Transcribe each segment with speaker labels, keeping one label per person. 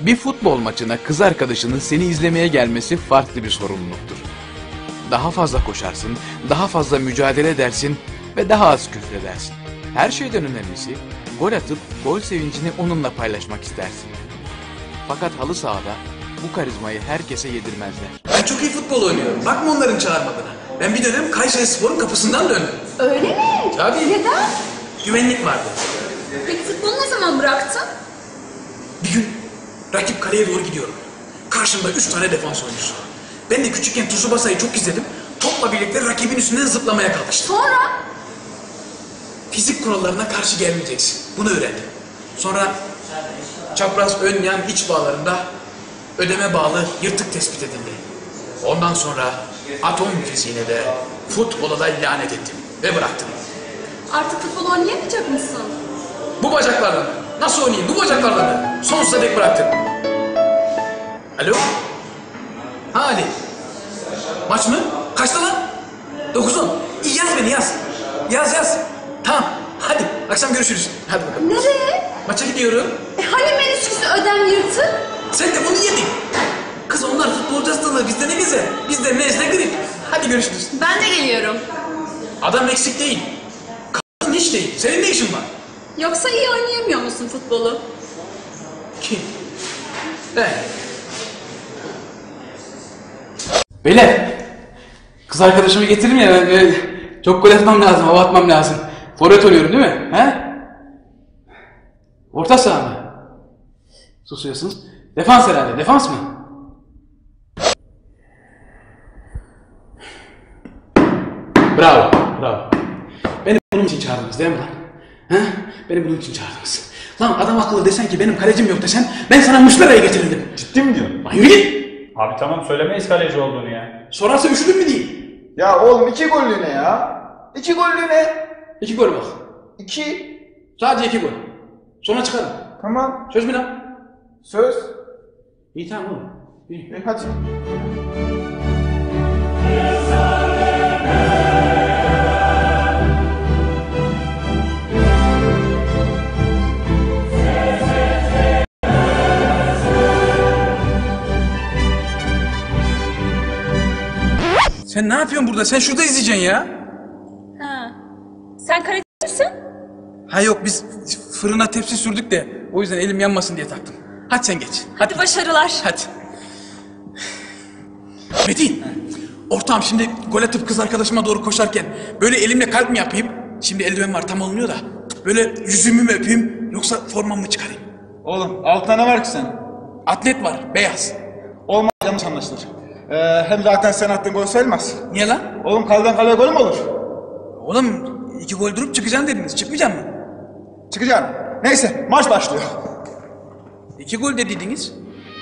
Speaker 1: Bir futbol maçına kız arkadaşının seni izlemeye gelmesi farklı bir sorumluluktur. Daha fazla koşarsın, daha fazla mücadele edersin ve daha az küfredersin. Her şeyden önemlisi, gol atıp gol sevincini onunla paylaşmak istersin. Fakat halı sahada bu karizmayı herkese yedirmezler.
Speaker 2: Ben çok iyi futbol oynuyorum. Bakma onların çağırmadığına. Ben bir dönem Kayserispor'un kapısından döndüm.
Speaker 3: Öyle mi?
Speaker 2: Tabii.
Speaker 3: Neden?
Speaker 2: Güvenlik vardı.
Speaker 3: Peki futbolu ne zaman bıraktın?
Speaker 2: Bir gün rakip kaleye doğru gidiyorum. Karşımda 3 tane defans oyuncusu. Ben de küçükken Tsubasa'yı çok izledim. Topla birlikte rakibin üstünden zıplamaya kalkıştım.
Speaker 3: Sonra?
Speaker 2: Fizik kurallarına karşı gelmeyeceksin. Bunu öğrendim. Sonra çapraz ön yan iç bağlarında ödeme bağlı yırtık tespit edildi. Ondan sonra atom fiziğine de futbola da lanet ettim ve bıraktım.
Speaker 3: Artık futbol oynayamayacak mısın?
Speaker 2: Bu bacaklarla mı? Nasıl oynayayım bu bacaklarla mı? Sonsuza dek bıraktım. Alo? Ha Ali. Maç mı? Kaçta lan? 9-10. İyi yaz beni yaz. Yaz. Tamam. Hadi akşam görüşürüz. Hadi bakalım.
Speaker 3: Nereye?
Speaker 2: Maça gidiyorum.
Speaker 3: Hani menisküsü ödem yırtık?
Speaker 2: Sen de bunu yedin. Kız onlar futbolcu hastalığı. Bizde ne güzel. Bizde nezle grip. Hadi görüşürüz.
Speaker 3: Ben de geliyorum.
Speaker 2: Adam eksik değil. Kadın hiç değil. Senin ne işin var?
Speaker 3: Yoksa iyi oynayamıyor musun futbolu?
Speaker 2: Kim? Ben.
Speaker 4: Beyler, kız arkadaşımı getirdim ya, çok gol atmam lazım, hava atmam lazım. Forvet oluyorum değil mi? He? Orta saha mı? Susuyorsunuz. Defans herhalde, defans mı? Bravo. Beni bunun için çağırdınız değil mi lan? He? Beni bunun için çağırdınız. Lan adam akıllı desen ki benim kalecim yok desen, ben sana Muşlera'yı getirirdim.
Speaker 5: Ciddi mi diyorsun?
Speaker 4: Lan yürü git!
Speaker 5: Abi tamam söylemeyiz kaleci olduğunu ya.
Speaker 4: Sorarsa üşüdün mü diyeyim.
Speaker 6: Ya oğlum 2 gollüğüne ya. 2 gollüğüne.
Speaker 4: 2 gol bak.
Speaker 6: 2.
Speaker 4: Sadece 2 gol. Sonra çıkarım.
Speaker 6: Tamam.
Speaker 4: Söz mü lan?
Speaker 6: Söz.
Speaker 4: İyi tamam oğlum. İyi.
Speaker 6: Hadi.
Speaker 2: Sen ne yapıyorsun burada? Sen şurada izleyeceksin ya.
Speaker 3: Ha. Sen karate misin?
Speaker 2: Ha yok biz fırına tepsi sürdük de o yüzden elim yanmasın diye taktım. Hadi sen geç.
Speaker 3: Hadi başarılar.
Speaker 2: Hadi. Metin. Ortağım şimdi gol atıp kız arkadaşıma doğru koşarken böyle elimle kalp mi yapayım? Şimdi eldiven var tam olmuyor da. Böyle yüzümü mü öpeyim yoksa formamı mı çıkarayım?
Speaker 6: Oğlum altına ne var ki senin?
Speaker 2: Atlet var beyaz.
Speaker 6: Olmaz, yanlış anlaşılır. Hem zaten sen attığın gol sayılmaz.
Speaker 2: Niye lan?
Speaker 6: Oğlum kaleden kaleye gol mü olur?
Speaker 2: Oğlum 2 gol durup çıkacaksın dediniz. Çıkmayacak mı?
Speaker 6: Çıkacaksın. Neyse maç başlıyor.
Speaker 2: 2 gol de dediniz.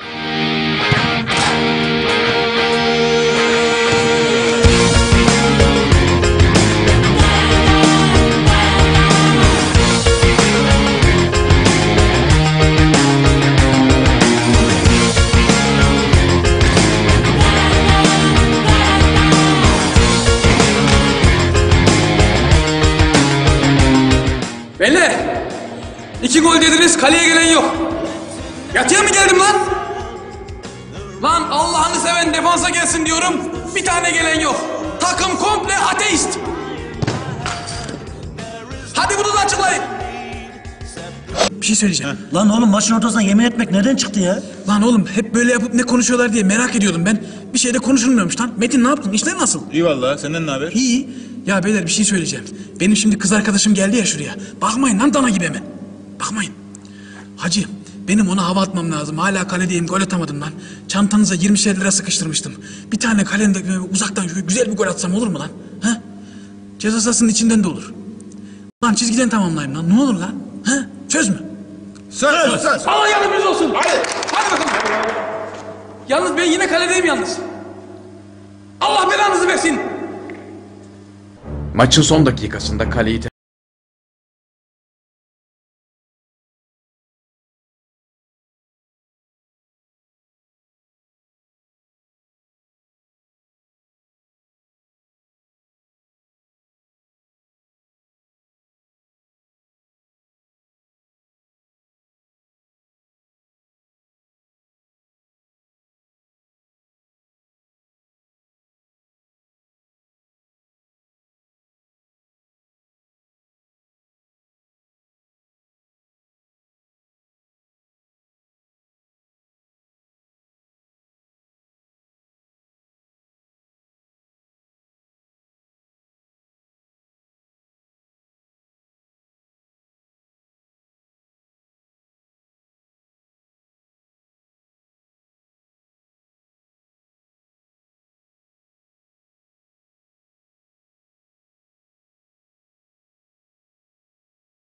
Speaker 2: Beyler! 2 gol dediniz, kaleye gelen yok. Yatıya mı geldim lan? Lan Allah'ını seven defansa gelsin diyorum, bir tane gelen yok. Takım komple ateist. Hadi bunu da açıklayın. Bir şey söyleyeceğim.
Speaker 7: Lan oğlum maçın ortasında yemin etmek nereden çıktı ya?
Speaker 2: Lan oğlum hep böyle yapıp ne konuşuyorlar diye merak ediyordum ben. Bir şey de konuşulmuyormuş lan. Metin ne yaptın? İşler nasıl?
Speaker 5: İyi vallahi senden ne haber?
Speaker 2: İyi. Ya beyler bir şey söyleyeceğim. Benim şimdi kız arkadaşım geldi ya şuraya. Bakmayın lan dana gibi hemen. Bakmayın. Hacı benim ona hava atmam lazım. Hala kaledeyim gol atamadım lan. Çantanıza 20'şer lira sıkıştırmıştım. Bir tane kalende uzaktan şöyle güzel bir gol atsam olur mu lan? Ha? Ceza sahasının içinden de olur. Lan çizgiden tamamlayayım lan. Ne olur lan? Ha? Söz mü?
Speaker 6: Söz.
Speaker 2: Allah yardımcınız olsun. Hadi bakalım. Yalnız ben yine kaledeyim yalnız. Allah belanızı versin.
Speaker 1: Maçın son dakikasında kaleyi